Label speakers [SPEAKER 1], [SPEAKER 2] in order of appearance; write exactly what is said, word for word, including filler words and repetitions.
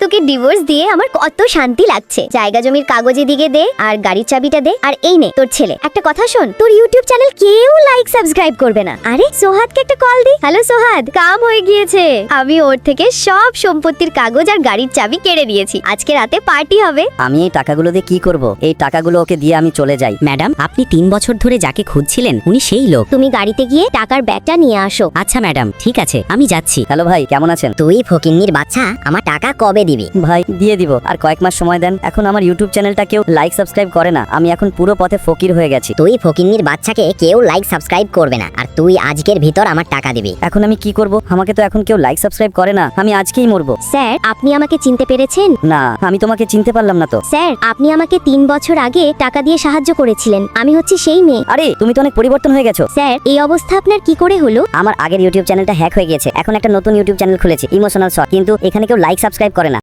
[SPEAKER 1] তোকে ডিভোর্স দিয়ে আমার কত শান্তি লাগছে। জায়গা জমির কাগজ এদিকে দে, আর গাড়ির চাবিটা দে, আর এই নে তোর ছেলে। একটা কথা শোন, তোর ইউটিউব চ্যানেল কেউ লাইক সাবস্ক্রাইব করবে না। আরে সোহাদকে একটা কল দি। হ্যালো সোহাদ, কাম হয়ে গিয়েছে। আমি ওর থেকে সব সম্পত্তির কাগজ আর গাড়ির চাবি কেড়ে নিয়েছি। আজকে রাতে পার্টি হবে।
[SPEAKER 2] আমি এই টাকাগুলো দিয়ে কি করব? এই টাকাগুলো ওকে দিয়ে আমি চলে যাই।
[SPEAKER 3] ম্যাডাম, আপনি তিন বছর ধরে যাকে খুঁজছিলেন উনি সেই লোক।
[SPEAKER 1] তুমি গাড়িতে গিয়ে টাকার ব্যাগটা নিয়ে আসো।
[SPEAKER 3] আচ্ছা ম্যাডাম, ঠিক আছে, আমি যাচ্ছি।
[SPEAKER 2] হ্যালো ভাই, কেমন আছেন?
[SPEAKER 4] তুই ফকিন্নির বাচ্চা, আমার টাকা কবে দিবি?
[SPEAKER 2] ভাই দিয়ে দিব, আর কয়েক মাস সময় দেন। এখন আমার ইউটিউব চ্যানেলটা কেউ লাইক সাবস্ক্রাইব করে না। আমি এখন পুরো পথে ফকির হয়ে গেছি।
[SPEAKER 4] তুই ফকিন্নির বাচ্চাকে কেউ লাইক সাবস্ক্রাইব করবে না, আর তুই আজকের ভিতর আমার টাকা দিবি।
[SPEAKER 2] এখন আমি কি করব? আমাকে তো এখন কেউ লাইক সাবস্ক্রাইব করে না। আমি আজকেই মরবো।
[SPEAKER 1] স্যার, আপনি আমাকে চিনতে পেরেছেন?
[SPEAKER 2] না, আমি তোমাকে চিনতে পারলাম না তো।
[SPEAKER 1] স্যার, আপনি আমাকে তিন বছর আগে টাকা দিয়ে সাহায্য করেছিলেন। আমি হচ্ছি সেই মেয়ে।
[SPEAKER 2] আরে তুমি তো অনেক পরিবর্তন হয়ে গেছো।
[SPEAKER 1] স্যার, এই অবস্থা আপনার কি করে হলো?
[SPEAKER 2] আমার আগের ইউটিউব চ্যানেলটা হ্যাক হয়ে গেছে। এখন একটা নতুন ইউটিউব চ্যানেল খুলেছি, ইমোশনাল শট, কিন্তু এখানে কেউ লাইক সাবস্ক্রাইব করে না।